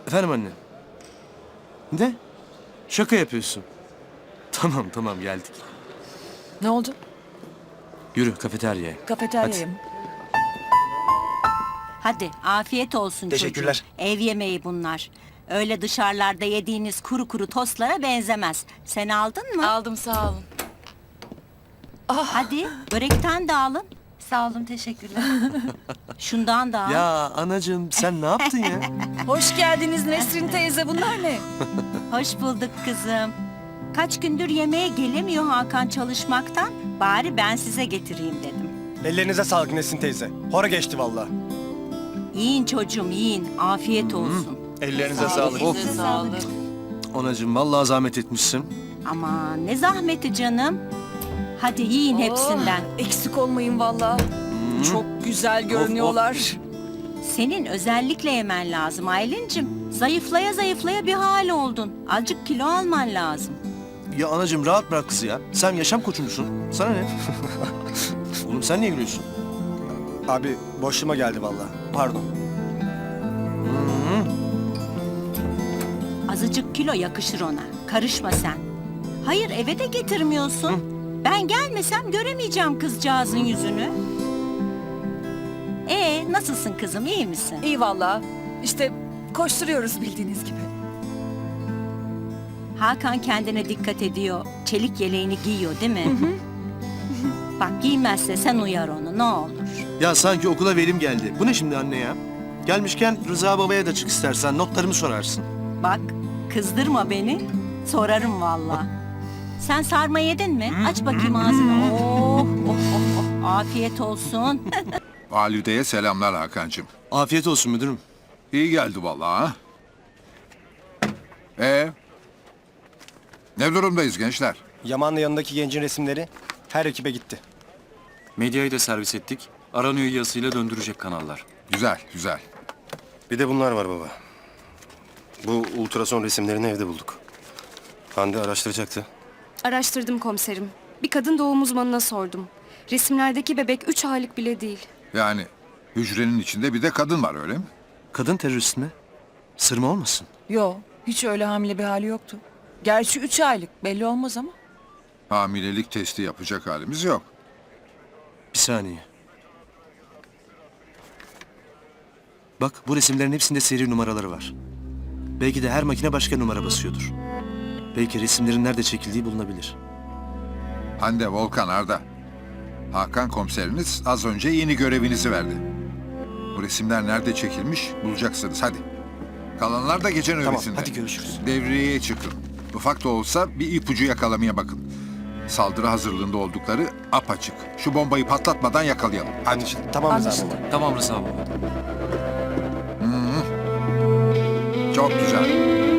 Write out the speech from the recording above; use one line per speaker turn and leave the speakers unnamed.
Efendim anne. Ne? Şaka yapıyorsun. Tamam geldik.
Ne oldu?
Yürü kafeteryaya.
Kafeteryaya mı?
Hadi afiyet olsun
Teşekkürler.
çocuğum. Ev yemeği bunlar. Öyle dışarılarda yediğiniz kuru kuru tostlara benzemez. Sen aldın mı?
Aldım, sağ olun.
Hadi börekten de alın.
Sağ olun, teşekkürler.
Şundan da al.
Ya anacığım sen ne yaptın ya?
Hoş geldiniz Nesrin teyze, bunlar ne?
Hoş bulduk kızım. Kaç gündür yemeğe gelemiyor Hakan çalışmaktan. Bari ben size getireyim dedim.
Ellerinize sağlık Nesin teyze. Hora geçti valla.
Yiyin çocuğum yiyin. Afiyet olsun.
Ellerinize sağlık.
Of.
Size sağlık.
Anacığım vallahi zahmet etmişsin.
Ama ne zahmeti canım. Hadi yiyin hepsinden.
Eksik olmayın valla. Çok güzel görünüyorlar.
Senin özellikle yemen lazım Aylin'cim. Zayıflaya zayıflaya bir hal oldun. Azıcık kilo alman lazım.
Ya anacığım rahat bırak kızı ya. Sen yaşam koçumsun. Sana ne? Oğlum sen niye gülüyorsun?
Abi boşluğuma geldi valla. Pardon.
Azıcık kilo yakışır ona. Karışma sen. Hayır eve de getirmiyorsun. Ben gelmesem göremeyeceğim kızcağızın yüzünü. Nasılsın kızım iyi misin?
İyi valla. İşte koşturuyoruz bildiğiniz gibi.
Hakan kendine dikkat ediyor. Çelik yeleğini giyiyor değil mi? Bak giymezse sen uyar onu ne olur.
Ya sanki okula verim geldi. Bu ne şimdi anne ya? Gelmişken Rıza babaya da çık istersen notlarımı sorarsın.
Bak kızdırma beni. Sorarım valla. Sen sarma yedin mi? Aç bakayım ağzını. Afiyet olsun.
Valideye selamlar Hakan'cığım.
Afiyet olsun müdürüm.
İyi geldi vallahi ha. Ne durumdayız gençler?
Yaman'la yanındaki gencin resimleri her ekibe gitti.
Medyayı da servis ettik. Aranıyor yazısıyla döndürecek kanallar.
Güzel, güzel.
Bir de bunlar var baba. Bu ultrason resimlerini evde bulduk. Hande araştıracaktı.
Araştırdım komiserim. Bir kadın doğum uzmanına sordum. Resimlerdeki bebek 3 aylık bile değil.
Yani hücrenin içinde bir de kadın var öyle mi?
Kadın terörist mi? Sırma olmasın?
Yo, hiç öyle hamile bir hali yoktu. Gerçi 3 aylık belli olmaz ama.
Hamilelik testi yapacak halimiz yok.
Bir saniye. Bak bu resimlerin hepsinde seri numaraları var. Belki de her makine başka numara basıyordur. Belki resimlerin nerede çekildiği bulunabilir.
Hande, Volkan, Arda. Hakan komiseriniz az önce yeni görevinizi verdi. Bu resimler nerede çekilmiş bulacaksınız hadi. Kalanlar da gece
Tamam
nöbetinde.
hadi görüşürüz.
Devreye çıkın. Ufak da olsa bir ipucu yakalamaya bakın. Saldırı hazırlığında oldukları apaçık. Şu bombayı patlatmadan yakalayalım. Hadi.
Tamam Rıza
Anlaşıldı.
baba.
Tamam Rıza baba.
Çok güzel.